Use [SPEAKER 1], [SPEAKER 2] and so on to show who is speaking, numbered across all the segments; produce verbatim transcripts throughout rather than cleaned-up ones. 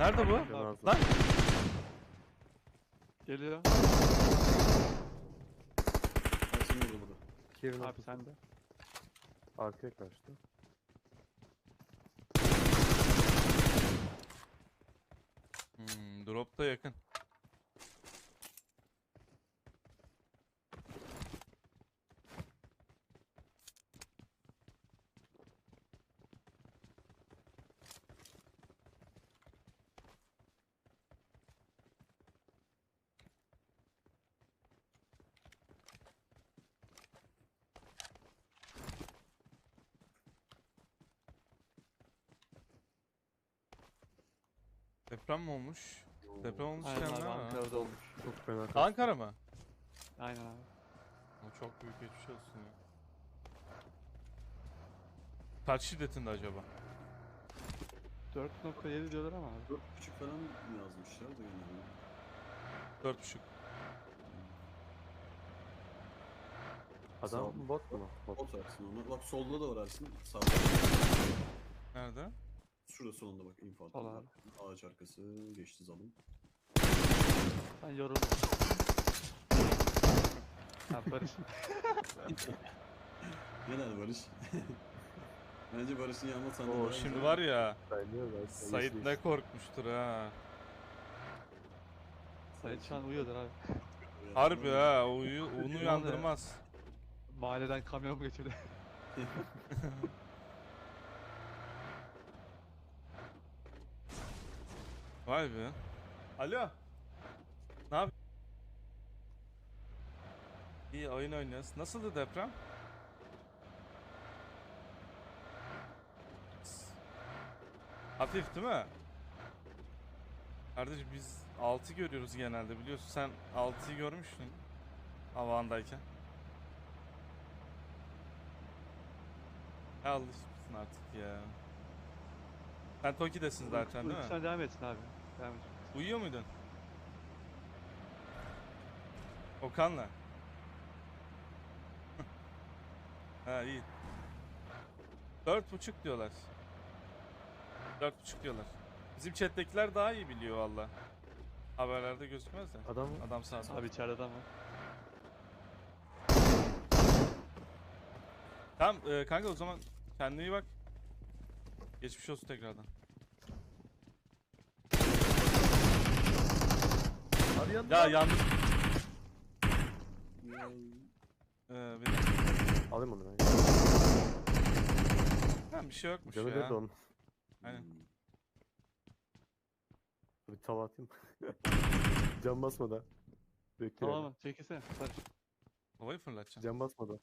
[SPEAKER 1] Nerede bu?
[SPEAKER 2] Canı az.
[SPEAKER 1] Lan!
[SPEAKER 3] Geliyor.
[SPEAKER 4] Ersin burada burada.
[SPEAKER 2] İki evin
[SPEAKER 3] Abi
[SPEAKER 2] ortası.
[SPEAKER 3] sen de.
[SPEAKER 2] Arkaya kaçtı.
[SPEAKER 1] Hmm, drop da yakın. Deprem mi olmuş? Deprem olmuş
[SPEAKER 3] Aynen
[SPEAKER 1] yani
[SPEAKER 3] abi
[SPEAKER 1] ha.
[SPEAKER 3] Ankara'da olmuş.
[SPEAKER 2] Çok fena kaçtı.
[SPEAKER 1] Ankara mı?
[SPEAKER 3] Aynen abi.
[SPEAKER 1] O çok büyük geçmiş olsun ya. Kaç şiddetinde acaba?
[SPEAKER 3] dört nokta yedi diyorlar ama abi.
[SPEAKER 4] Dört buçuk falan mı yazmışlar da genelde.
[SPEAKER 1] Dört buçuk.
[SPEAKER 2] Adam
[SPEAKER 4] Sağ-
[SPEAKER 2] bot mu? Bot.
[SPEAKER 4] Bot Ersin onu. Bak solda da var Ersin. Sağda.
[SPEAKER 1] Nerede?
[SPEAKER 4] Şurada solunda bak info
[SPEAKER 3] Sol
[SPEAKER 4] attım.
[SPEAKER 3] abi.
[SPEAKER 4] Ağaç arkası geçti zalim.
[SPEAKER 3] Ben yoruldum. Ha Barış.
[SPEAKER 4] Genel Barış. Bence Barış'ın yanma sandığı
[SPEAKER 1] Oo
[SPEAKER 4] daha
[SPEAKER 1] şimdi
[SPEAKER 4] güzel.
[SPEAKER 1] var ya.
[SPEAKER 2] Sayılıyor da.
[SPEAKER 1] Sait ne korkmuştur ha.
[SPEAKER 3] Sait şu an uyuyordur abi.
[SPEAKER 1] Harbi ha. Uyu, onu uyandırmaz.
[SPEAKER 3] Mahalleden kamyon mu geçirdi?
[SPEAKER 1] Vay be. Alo. Ne yap? İyi oyun oynuyoruz. Nasıldı deprem? Hafif değil mi? Kardeşim biz altı görüyoruz genelde biliyorsun. Sen altıyı görmüştün. Havandayken. Ya alışmışsın artık ya. Sen Toki'desin zaten değil mi?
[SPEAKER 3] Sen devam etsin abi. Devam et.
[SPEAKER 1] Uyuyor muydun? Okan'la. Ha iyi. Dört buçuk diyorlar. Dört buçuk diyorlar. Bizim chat'tekiler daha iyi biliyor valla. Haberlerde gözükmez de.
[SPEAKER 2] Adam
[SPEAKER 1] Adam sağ sağ.
[SPEAKER 3] Abi içeride adam var.
[SPEAKER 1] Tamam e, kanka o zaman kendine iyi bak. Geçmiş olsun tekrardan.
[SPEAKER 2] Abi yandı.
[SPEAKER 1] Ya yanlış.
[SPEAKER 4] Ya,
[SPEAKER 1] Ee, benim...
[SPEAKER 2] Alayım onu ben.
[SPEAKER 1] Ha, bir şey yokmuş
[SPEAKER 2] Canı
[SPEAKER 1] ya.
[SPEAKER 2] bir de onun.
[SPEAKER 1] Aynen.
[SPEAKER 2] Bir tava atayım. Cam basmadan. Bekle.
[SPEAKER 3] Tamam mı? Çekilsene. Barış.
[SPEAKER 1] Havayı fırlatacağım.
[SPEAKER 2] Cam basmadan.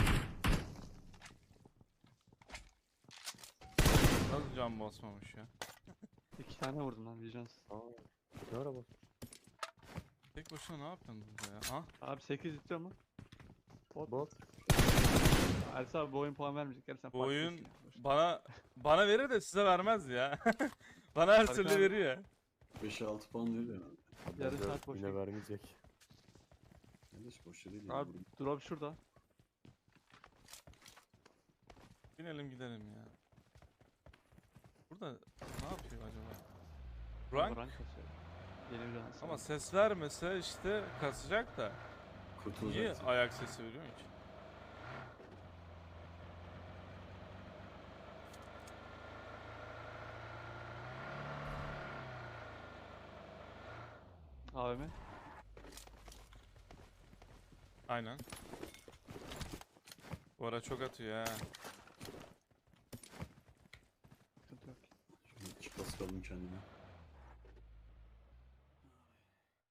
[SPEAKER 1] Nasıl cam basmamış ya?
[SPEAKER 3] İki tane vurdum lan vicdansız.
[SPEAKER 2] Aa. Ne ara bas?
[SPEAKER 1] Tek başına ne yaptın burada ya? Ah.
[SPEAKER 3] Abi sekiz istiyor mu? Bot.
[SPEAKER 2] Bot.
[SPEAKER 3] Ersin abi bu oyun puan vermeyecek. Gel sen
[SPEAKER 1] Bu
[SPEAKER 3] farklı
[SPEAKER 1] oyun
[SPEAKER 3] isim konuş.
[SPEAKER 1] bana bana verir de size vermez ya. Bana her
[SPEAKER 3] Fark
[SPEAKER 1] türlü
[SPEAKER 3] abi.
[SPEAKER 1] veriyor.
[SPEAKER 4] beş altı puan veriyor yani.
[SPEAKER 3] Yarım
[SPEAKER 2] Bence
[SPEAKER 3] saat boş
[SPEAKER 2] Yine
[SPEAKER 3] ver.
[SPEAKER 2] vermeyecek.
[SPEAKER 4] Kardeş boş değil.
[SPEAKER 3] Abi drop şurada.
[SPEAKER 1] Binelim gidelim ya. Burada ne yapıyor acaba? Rank
[SPEAKER 3] Rank kasıyor. Yeni bir dans.
[SPEAKER 1] ama ses vermese işte kasacak da. Niye
[SPEAKER 4] Kurtulacaksın.
[SPEAKER 1] ayak sesi veriyor ki?
[SPEAKER 3] A V M.
[SPEAKER 1] Aynen. Bu ara çok atıyor ha.
[SPEAKER 3] Sıkıntı yok.
[SPEAKER 4] Şöyle çıkması kalın kendine.